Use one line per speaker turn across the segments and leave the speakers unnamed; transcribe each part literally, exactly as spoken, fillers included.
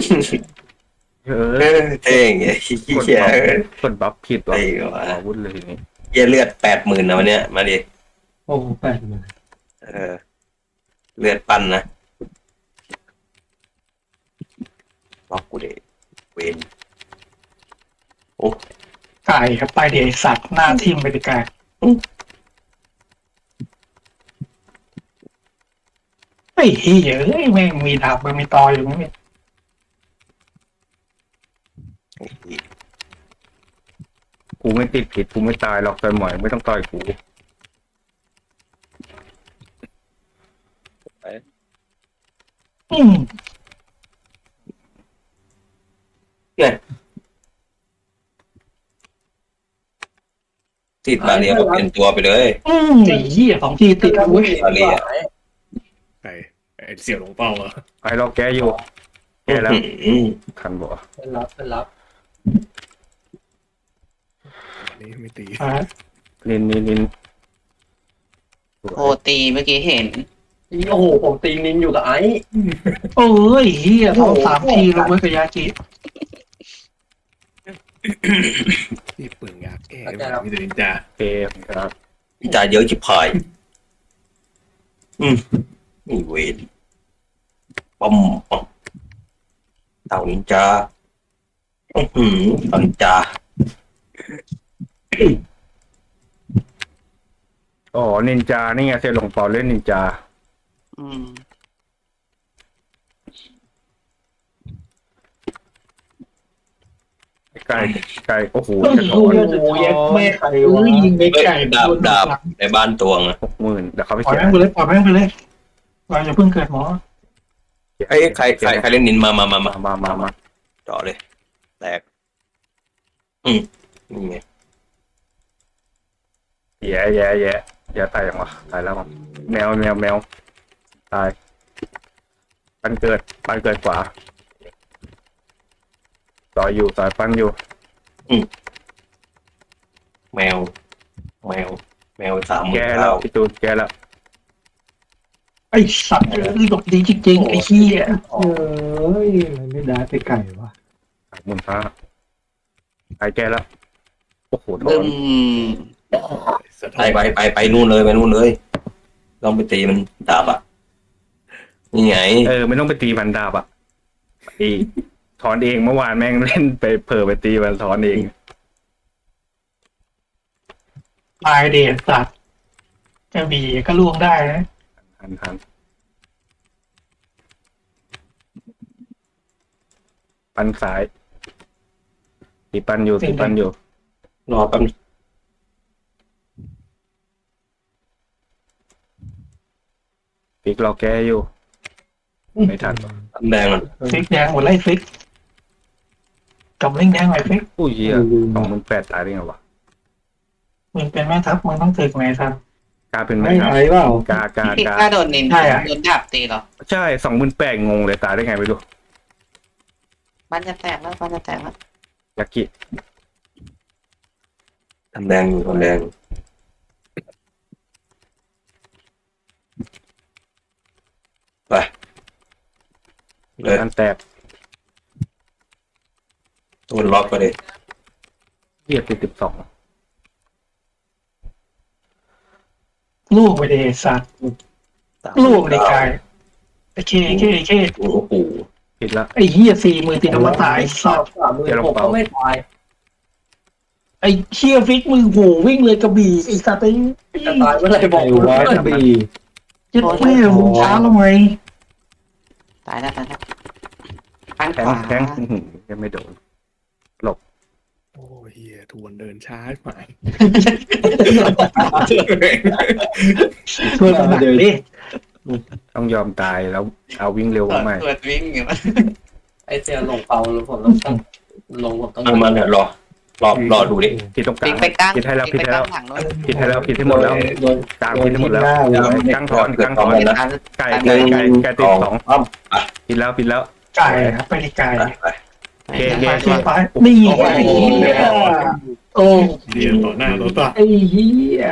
เอ
เอ
อ
อเท่งไอ้ขี้
กด
เกีย
บัฟ
จ
กดบัฟผิดว่ะ
ไอ้วะ
อาวุธเลยทีนี้
เหี้ยเลือดแปดหมื่นนะวันเนี้ยมาดิ
โอ้แปดหมื่น
เออเลือดปั้นนะล็อกกูเดเวนโอ้
ไก่ครับไปเดี๋ยวไอ้สัตว์หน้าทิ่มไปดิไก่ไอ้เหี้ยเอ้ยแม่งมีดาบมันมีตออยู่มั้งเนี่ย
ไอ้เหี้ย
กูไม่ติดผิดกูไม่ตายหรอกต่อยหมอยไม่ต้องต่อยกู
อืม
เนี่ยติดบาเรียก็เปลี่ยนตัวไปเลย
อืมไอ้เหี้ยสองทีติดเว้ย
บาเรีย
ไอ้ไอ้เสี่ยวหลงเป้าเหรอ
ไอ้เราแกอยู่แกแล้ว
อืม
ทันบ่
เป็นรับเป็นรับ
อันนี้ไม่ตี
อ่ะ
ลินลินลิน
โอตีเมื่อกี้เห็น
โอ้โหผมตีนินอยู่กับไอ้
โอ้ยเหี้ยท้องสามทีลงไว้กับยากิ
ที่เปลืองยาแก้มีแต่นินจา
เกมครับ
จ่ายเยอะจิบพายอืมนี่เวนปั๊มปั๊มเต่านินจาอือหือเต่านินจา
อ๋อนินจานี่ไงเซลงเปาเล่นนินจา
อืม
ไก่ไก่โอ้โห
โอ้
จะ
โห
ถอน
แย่แม่ไก่เอ้ยยิงไปไก่
ดาบดาบในบ้านตวงอะ
หกหมื่นเดี๋ยวเขาไป
ปล่อย
เสีย
แม่งไปเลยปล่อยแม่งไปเลยเราอย่าเพิ่งเกิดหมอ
เอ้ยใครใครใครเล่นนินมามามามา
มามามา
เจาะเลยแตกอืมนี่ไง
แย่แย่แย่แย่ตายยังวะตายแล้วมั้งแมวแมวแมวตายปันเกิดปันเกิดขวาต่อยอยู่ต่อยปันอยู่
แมว แมว แมวสามห
แก
มื่น
แล้
เก้าว
พี่ตูนแกแล้ว
ไอ้สัตว์เอ้ยหลบดีจริงๆไอ้เหี้ย
เอ้ยมันไม่ได้ไปไก่วะ
สามหมื่นห้าตายแกแล้วโอ้โหโด
บึ้
น
ม
สะท้
ไป
อน
ไปไปไปนู่นเลยไปนู่นเลยลองไปตีมันดาบอ่ะนี่ไง
เออไม่ต้องไปตีมันดาบอ่ะไอ้ถอนเองเมื่อวานแม่งเล่นไปเผลอไปตีมันถอนเอง
ตายเดี๋ยวสัตว์จะบีก็ล่วงได้นะ
ทันทันปันสายตีปันอยู่ตีปันอยู่
รอแป๊บนึง
ฟิกรอแกอยู่ ไม่ทัน
แดงมัน
ฟิกแดงหมดไล่ฟิกกับเล่งแดงหน่อยฟิก
อุ้ยเหี้ยสองหมื่นแปดตายได้ไงวะ
มึงเป็นแม่ทัพมึงต้องถึกไหนครับ
กล้าเป็นไหม
ไม่
ครับ
ไอ้เปล่าก
ล้ากล้า
พี่
กล้าก
ล้าโดนนิน
ใช่อะ
โดนดาบตีเหรอ
ใช่สองหมื่นแปดงงเลยตายได้ไงไม่รู้
บ้านจะแตกแล้วบ้านจะแตกแล้ว
ยากิ
ทำแดงอยู่ทำแดงไปเลย
อันแตก
ตัวล็อกไปเลย
เหี้ยติดสิบสอง
ลูกไปเดสัตว์ลูกไปเดกายไอ้เคเคเค
โอ้โห
ผิดละ
ไอ้เหี้ยสี่หมื่นติดอมตะไอ้สัตว์
สามหมื่นหกก็ไม่ตาย
ไอ้เชี่ยฟิกมึงโหวิ่งเลยกระบี่ไอ้สัตว์ไอ้
จะตายเมื่อไหร่บอกกูว่าจะบี
ยัดแม่มึงช้าแล้วไง
ตายแล้วตายแล้วบ้าน
แท
ข
ง
วา
แทงอื้อหือยังไม่โดน
โอ้เฮียทวนเดินช้าไป
ช่วยมันหนักดิ
ต้องยอมตายแล้วเอาวิ่งเร็ว
เปิด
ใหม่
เปิดวิ่งอยู่
ไอ้เสียลงเปาแล้วผมต้องตั้งลงผมต้อง
มันมันเนี่ยรอรอรอดูดิ
ผิดตรงกลา
วิ่
ง
งไปกลาง
ผิดให้แล้ว
วิ่
ผิด
งไป
ให้
กลา
แล้ว
งหลังนู้น
ผิดให้แล้วผิดให้หมดแล้ว
โดน
กลางผิดให้หมดแล้ว
โดน
กลางถอนกลางถอน
เป็นการ
ไก่ไก่ไก่ไก่ติดสอง
อ้อม
ผิดแล้วผิดแล้ว
ไก่ครับไปดิไก่
ไปไป
เคเค
ไป
เค
เชี่ยไปนี่ไงไอ้เหี้ยโอ้
เรียนต่อหน้าต่อตา
ไอ้เหี้ย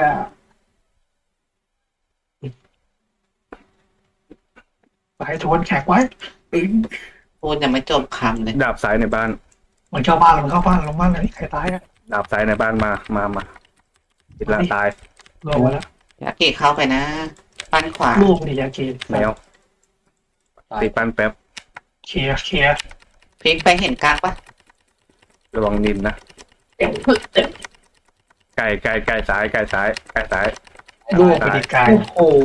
ไปทวนแขกไว้
ตึ้ง
พูดยังไม่จบคำเลย
ดาบซ้ายในบ้าน
มันเข้าบ้านมันเข้าบ้านลงบ้านเลยใครตายอะ
ดาบซ้ายในบ้านมามามาติดละตาย
ลงมาแล้ว
ยากิเข้าไปนะ ปั้นขวา
ลูกนี่ยาเกน
แมวตีปั้นแป๊บ
เคลียร์เคลียร์
พลิกไปเห็นกลางปะ
ระวังนินนะไก่ไก่ไก่ซ้ายไก่ซ้ายไก่ซ้าย
ลูกไปดีกาย
โอ้โห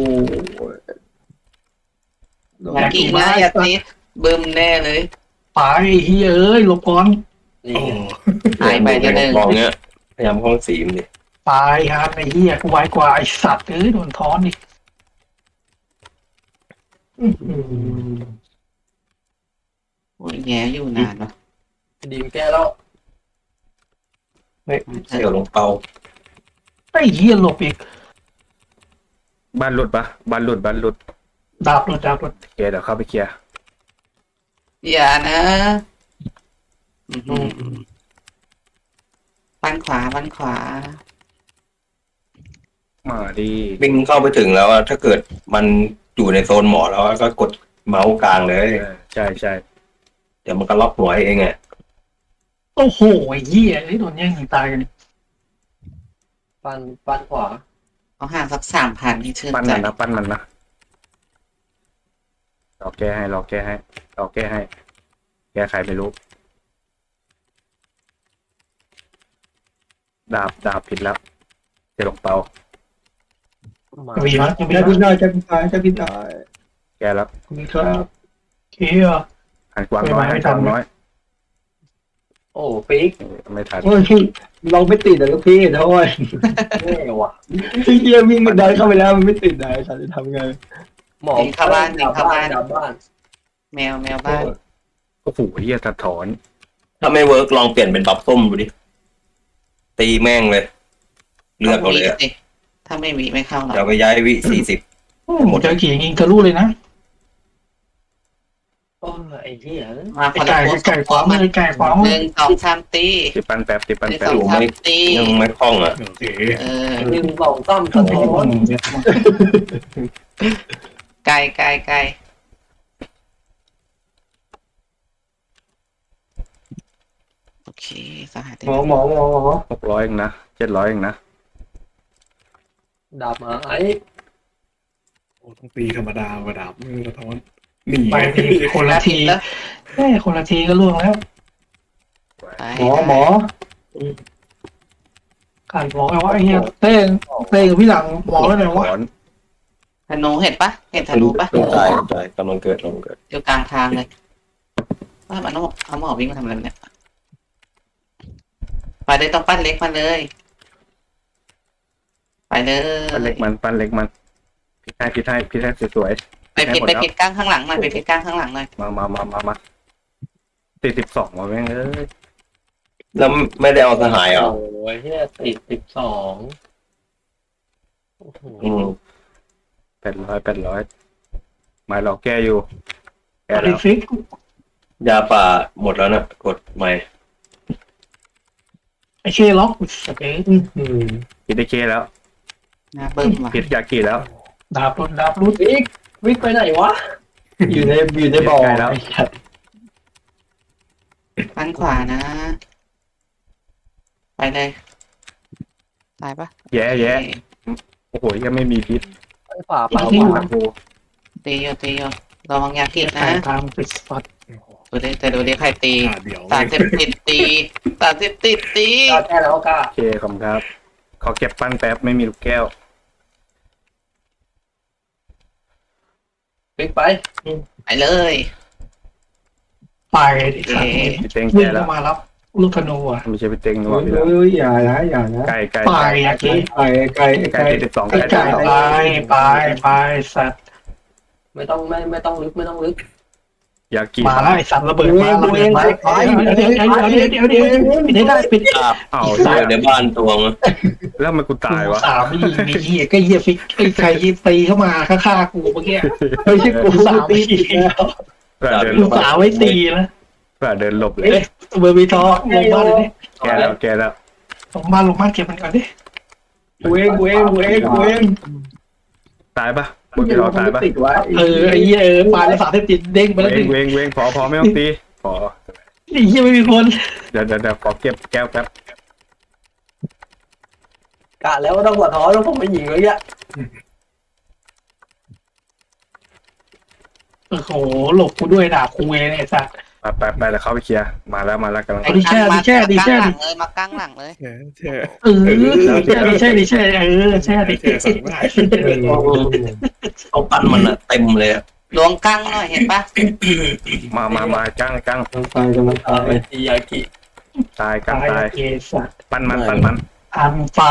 ยากินะยาติดบึมแน่เลย
ไปเฮ้ยเอ้ยหลบก่อน
นี่
โอ้
หายไปจะหนึ่ง
มองเงี้ยพยายามห้องสีมนดิ
ไปครับไอ้เหี้ยกูไวกว่าไอ้สัตว์เอ้ยโดนท้อนดิอื้อหือ
โอ้ยแย่อยู่นานวะ
ดีมแก้แล้ว
เสี่ยวลงเปา
ไอ้เหี้ยหลบอีก
บ้านหลุดปะบ้านหลุดบ้านหลุด
ดาบหลดดาบหลด
เคลียร์เดี๋ยวเข้าไปเคลียร์
อย่านะอื้อหือปั้นขวาปั้นขวา
มาดี
วิ่งเข้าไปถึงแล้วอะถ้าเกิดมันอยู่ในโซนหมอแล้วก็กดเมาส์กลางเลย
เออใช่ใช่
เดี๋ยวมันก็ล็อกหัวเองไง
โอ้โหไอ้เหี้ยไอ้โดนแย่งยิงตายกัน
ปันปันขวา
เอาห่างสักสามพันที่ชื่น
ปั้น
ใจ
มันนะปั้นมันนะรอแก้ให้รอแก้ให้รอแก้ให้ แก้ใครไม่รู้ ดาบดาบผิดแล้วเจะลงเปา
มา
วีมั้ยยังไม่
จะ
ได้
พินได้จะพินได้จะพินได้
แก้แล้ว
นี่ครับ
เคลียร์
หันกวางน้อย
ไม่
หัน
ทั
ก
น
วางน้อย
โอ้ฟิก
เออไม่ทัน
โอ้ยพี่เราไม่ติดแต่ลูกพี่นะโอ้ย
แน่ว่ะ
พี่เกียร์วิ่งมันดันเข้าไปแล้วมันไม่ติดไหนฉันจะทำไง
หมอ
หนีเข้าบ้านหนีเข้าบ้าน
ดับบ้าน
แมวแมวบ้าน
โอ้โหเฮียสะท้อน
ถ้าไม่เวิร์กลองเปลี่ยนเป็นบัฟส้มดูดิตีแม่งเลย เลือกเอาเลยอะ
สิถ้าไม่มีไม่เข้าหรอก
เดี๋ยวไปย้ายวิสี่สิบ
หมดเจอขี่ยิงทะลุเลยนะ
โอ้ยไอ้เหี้ย
มา
ไอ้
คน
ไก่
ละ
ไอ้ไก่ขวามือไอ้ไก่ขวามื
ห
อ
นึ่งสองสามตี
ติดปั้นแป๊บติด
ห
ปั้น
นึ่ง
แป๊
ส
บ
องสามตี
ยังไม่คล่องอ่ะ
โอเค
เออ
หนึ่งสองสามสะท้อน
ไกลไกลไกลโอเคสหัส
หมอหมอหมอหมอ
หกร้อยเองนะเจ็ดร้อยเองนะ
ดับมาไอ้
โอ้ต้องตีธรรมดากระดับมือสะท้อนหนี
ไปทีคนละที
แล้ว
แม่คนละทีก็ล่วงแล้ว
หมอหมอ
การบอกไอ้ว่าไอ้เหี้ยเต้งเต้งกับพี่หลังบอกแล้วหน่อยว่า
ถอน
ธนูเห็นปะเห็นธนูปะ
ตายตายกำลังเกิดกำลังเกิด
อยู่กลางทางเลยว่ามันเอาเอาหมอวิ่งมาทำอะไรเนี่ยไปเลยต้องปั้นเล็กมาเลย ไปเลย
ปั้นเล็กมันปั้นเล็กมันพิษให้พิษให้พิษให้สวย
ไปผิดไปผิดกลางข้างหลังหน่อยไปผิดกลางข้างหลังหน่อย
ๆมามามามามาติดสิบสองมาแม่งเอ้ย
แล้วไม่ได้เอาสหายเหรอ
โอ้ยเหี้ยติดสิบสองโอ้โห
อืม
แปดร้อยแปดร้อยหมายเราแก้อยู่ แก้
ไอ้
แล้ว
ฟิก
ยาป่าหมดแล้วนะกดใหม่
ไอ้เคล็อกโอเค
พิษได้เคแล้ว
นะเบิ้มว่ะ
พิษยากีแล้ว
ดาบรุดดาบรุด
ฟิกฟิกไปไหนวะ
อยู่ในอยู่ในบ่อ
ใกล้แล้ว
ไอ้สัตว์
ปั้นขวานะ ไปเลยตายปะ
แย่แย่โอ้โหยังไม่มีพิษ
ไปขวา
เป
เป
ล่า
ล่า
ขวากู
ตีโยตีโยระวังยากินะ
ไก่ทางปิดสปอต
ดูดิแต่ดูดิใครตี
ขาเดียว
สารเสพติดตีสารเสพติดตี
กล้าแก้แล้วกล้า
โอเคขอบคุณครับ ขอเก็บปั้นแป๊บไม่มีลูกแก้ว
ฟิกไป
ไปเลย
ไปดิครับ
พี่เต็ง
วิ่ง
แก้แล้
เข้าว มารับลูกธนูอ่ะ
ไม่ใช่พี่เต็งนัว
โอ้ย
พี่แล้ว
โอ้ยอย่านะอย่านะ
ไก่ไก่
ไปยากิ
ไก่ไก่
ไก่
ไก่
ติดสิบสอง
ไอ้
ไก่ติด
ไก่
สิบสอง
ไปไปไปสัตว์
ไม่ต้องไม่ไม่ต้องลึกไม่ต้องลึก
ยากิ
มาแล้วไอ้สัตว์ระเบิดมาระเบิดมาเดี๋ยวเดี๋ยวเดี๋ยวเดี๋ยวเดี๋ยวเดี๋ยวปิดให้ได้ปิด
อาบ
เอา
เดี๋ยวในบ้านตวง
แล้วทำไมกูตายวะ
สามไม่ยิงมีเหี้ยก็เหี้ยฟิกไอ้ใครยิงตีเข้ามาฆ่าๆกูเมื่อกี้
ไม่ใช่กูสามปีแล้ว
เพื่อเดินห
ลู
ล
ก
บ
สาวไว้ตีนะ
เพื่อเดินหลบเลย
เอ๊ะเบอร์บีทอลงบ้านเลยดิ
แก้แล้วแก้แล้ว
ลงบ้านลงบ้านเก็บมันก่อนดิ
กูเองกูเองกูเองกูเอง
ตายปะบุญพี่รอตายปะ
ติดไว้
เออไอ้เหี้ยเออปลาแล้วสารเสพติดเด้งไปแล้ว
เว
ดิ
งเวงเวงพอพอไม่ต้องตีพอ
ไอ้เหี้ยไม่มีคน
เดี๋ยวเดี๋ยวเดี๋ยวขอเก็บแก้วแป๊บ
กะแล้วว่าต้องหัวท้อแล้วผมไปยิงเลยอ่ะ
โอ้โหหลบกูด้วยด่ากูเองไอ้สัส
ไปไปไปแล้วเข้าไปเคลียร์มาแล้วมาแล้วกำลัง
เอาดิแช่ดิแช่ดิแช่ดิ
เลยมากลางหลังเลย
แช่แช่
เออแช่ดิแช่ดิแช่เออแช่ดิ
แช่สั่งได้
เอาปั้นมันอะเต็มเลยอะ
ลวงกลางหน่อยเห็นปะ
มามามากั้งกั้ง
ไปกำลังตายตียากิ
ตายกั้ง
ตาย
ตาย
เอสัส
ปั้นมันปั้นมัน
อันไฟ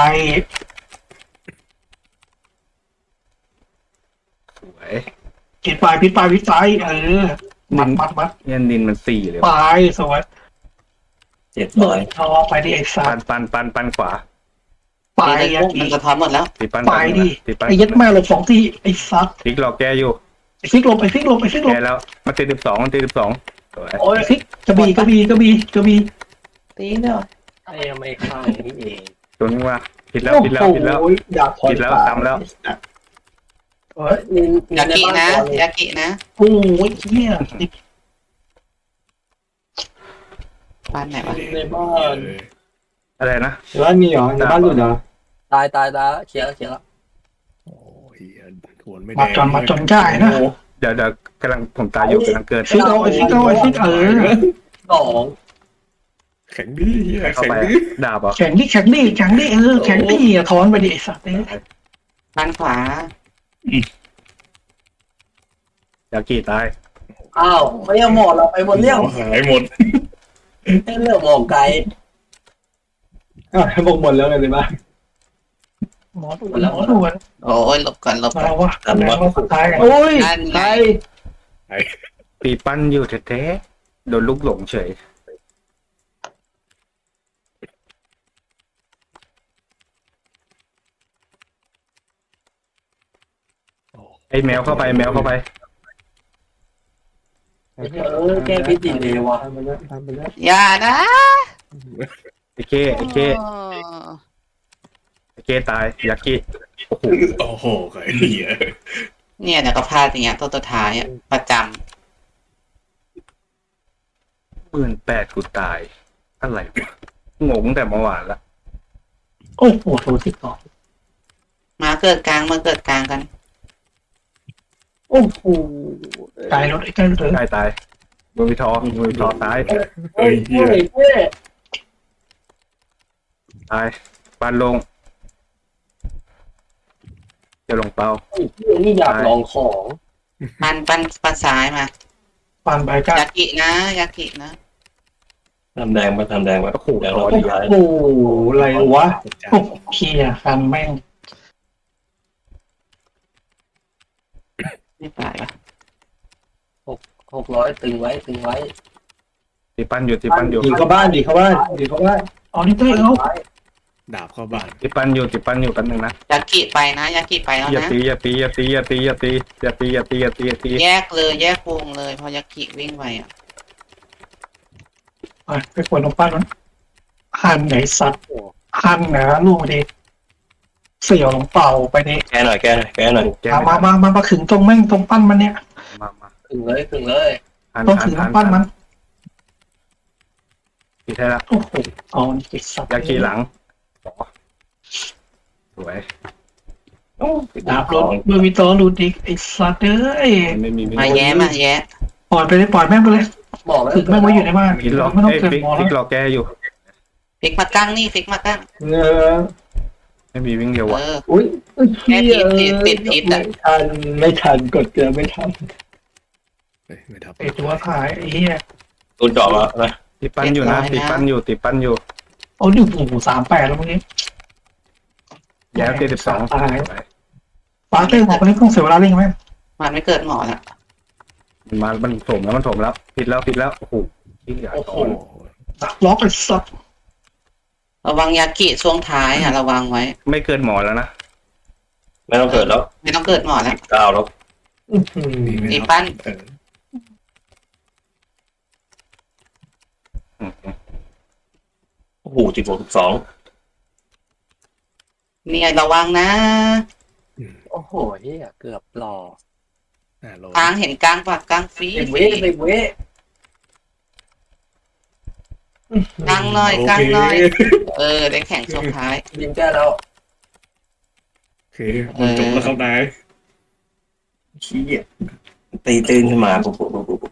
สวย
ปิดไฟปิดไฟปิดไฟเออมัดมัดมัด
เนี่ยนินมันสี่เลย
ไฟ
ว่ะ
สวย
เจ็ด
เบิ
ร้อย
ดทอไปดิไอ้สั
ปั้
ส
นปั้นปั้นปั้นขวา
ไฟ
ตีเลย
อะ
พวกมันสะท้อนหมดแล้ว
ตีปั้น
ไฟดิ
ตีปั้น
ไอ้ยัดแม่หลบสองที่ไอ้สัส
พลิกรอแก้อยู่
ไอ้ฟิกหลบไอ้ฟิกหลบไอ้ฟิกหลบ
แก้แล้วมาตีสิบสองมาตีสิบสองสวย
โอ้ยฟิกกระบี่กระบี่กระบี่กระบี่
ตีเนาะ
ไอ้ไม่ข้างนี่เอง
ตัวนี้ว่าผิดแล้วผิดแล้วผิดแล้ว
โอ้โหอยาก
ผิดแล้วทำแล้ว
เฮ้ยนิน
ยากินะยากินะ
โอ้ยเหี้ย
บ้านไหนวะ
ในบ้าน
อะไรนะ
ในบ้านมีเหรอในบ้านหลุดเหรอตายตายตายเคลียร์เคลียร์แล้ว
โอ้ยทวนไม่
มา
ได้
จนมาจนได้นะ
เดี๋ยวเดี๋ยวกำลังผมตายอยู่กำลังเกิด
ฟิกเอาไอ้ฟิกเอาไอ้ฟิกเออ
สอง
แข็งดื้อเฮีย
เข้า
แข็ง
ไป
ดื้อ
ดาบเหรอ
แข็งดิแข็งดิแข็งดิเออแข็งดิถอนไปดิไอ้สัตว์เนี่ย
บ้านขวา
ยากีตาย
อ้าวไม่เอาหมดเราไปหมดเรื่อง
หายหมด
ให้เรื่องหมอกไกลอ้าวให้บอกหมดแล้วไงในบ้าน
หมอด่วนหมอด่วน
โอ้ยหลบก่อนหลบ
มา
ก่อน
วะมาว่าสุดท้ายกัน
โอ้ย
นั่นไง
ตีปั้นอยู่แท้ๆโดนลูกหลงเฉยไอ้แมวเข้าไปแมวเข้าไป
เออแก้พิษดีเลยว่ะ
อย่านะ
ไอ้เก้ไอ้เก้ไอ้เก้ตายยากิโอ้โห
โอ้โหไอ้เหี้ย
เนี่ยเดี๋ยวก็พลาดอย่างเงี้ยตัวตัวท้ายอ่ะประจ
หมื่นแปดกูตายอะไรวะงงแต่เมื่อวานละ
โอ้โหโทรที่ต่อ
ำมาเกิดกลางมาเกิดกลางกัน
โอ้โหตายรถไอ้กันเลย
ตายตายมือวิทอมือวิทอตาย
เฮ้ยเหี้ย
เฮ้ย
ตายปันลงจะลงเป้า
นี่อยากลองของ
ปันปันปันซ้ายมา
ปานใบก้าย
ากินะยากินะ
ทำแดงมาทำแดงมา
โอ้โห
แดง
ต่
เรา
อ
ดี
ดี
ร้าย
โอ้โหอะไรวะโอ้เคียคันแม่ง
ไม่ตายปะ
หกร้อยตึงไว้ตึงไว้
ตีปั้นอยู่ตีปั้นอยู่
ดีเข้าบ้านดีเข้าบ้านดีเข้าบ้าน
เอานี่เต้เอา
ดาบเข้าบ้าน
ตีปั้นอยู่ตีปั้นอยู่แป๊บนึงนะ
ยากิไปนะยากิไปแล้ว
อย่า
นะ
ตีอย่าตีอย่าตีอย่าตีอย่าตีอย่าตีอย่าตีอย่าตีอย่าตี
แยกเลยแยกวงเลยพอยากิวิ่งไปอ่ะ
ไปขวดนมปั้นมันหันไหนสัตว์หันนะลูกดิเสี่ยวลงเป่าไปดิ
แก้หน่อยแก้หน่อยแก้หน่อย
แก้
มามามามาขึงตรงแม่งตรงปั้นมันเนี่ย
มามา
ตึงเลยตึงเลย
หัน
ต้อง
หั
ขึ
น
ง
หัน
ปั้นมัน
ตีให้ละ
โอ้โหเอานี่ไอ้สัตว์
ยากีหลังสวย
ดาบรถเบอร์มีตอรูดอีกไอ้สัตว์เอ้ย
ไม่มีไม่
มา
มี
แย้มาแย้
ปล่อยไปเลยปล่อยแม่งไปเลย
บอกแล้ว
ขึงแม่งไว้อยู่ในบ้าน
พิกรอ
ไม่ต้อง
เอ้ย
เกิด
ฟิก
หมอ
ฟิ
แล้ว
กรอแก้อยู่
ฟิกมากั้งนี่ฟิกมากั้ง
เออ
ไม่มีวิ่งเดียว
เอ
วะ
อ
อุ้ย
แค่พิษติดติดพิษอะ
ไม่ทันไม่ทันกดเกลือไม่ทัน
เฮ้ยไม่ทับ
ไอ้ตัวขายไอ้เหี้ย
ตูนเจาะมานะ
ตีปั้นอยู่นะตีปั้นอยู่ตีปั้นอยู่
เอาดิโอ้โหสามแปดแล้วเมื่อกี้
แย้ตีสิบสอง
ตายฟ้าเต้หมอกคนนี้ต้องเสียเวลาเร่งไหม
มันไม่เกิดหมอละ
มันมามันถมแล้วมันถมแล้วผิดแล้วผิดแล้วโอ้โหที่ใหญ่
โอ้โห
โอ้โห
ดักล็อกไอ้สัตว์
ระวังยากิช่วงท้ายอ่ะระวังไว้
ไม่เกินหมอแล้วนะ
ไม่ต้องเกิดแล้ว
ไม่ต้องเกิดหมอแล้ว
เก้าแล้ว
นี่ไม่
ตี
ทับ
ปั้น
เออ
อืม
โอ้โหสิบหกสิบสอง
เนี่ยระวังนะ
โอ้
โหเฮียเกือบหล่อ
อ่าโหล
กลางเห็นกลางปะกลางฟรี
เต็มเว้เต็มเว้
กลางหน่อย
โอก
ลาง
เค
หน่อย เออ ได้แข่งสุดท้าย
ยิงแก้แล้ว
โอเคมันจบแล้วครับนาย
ชี้ยตีตื่นขึ้นมาปุ๊บปุ๊บปุ๊บปุ๊บ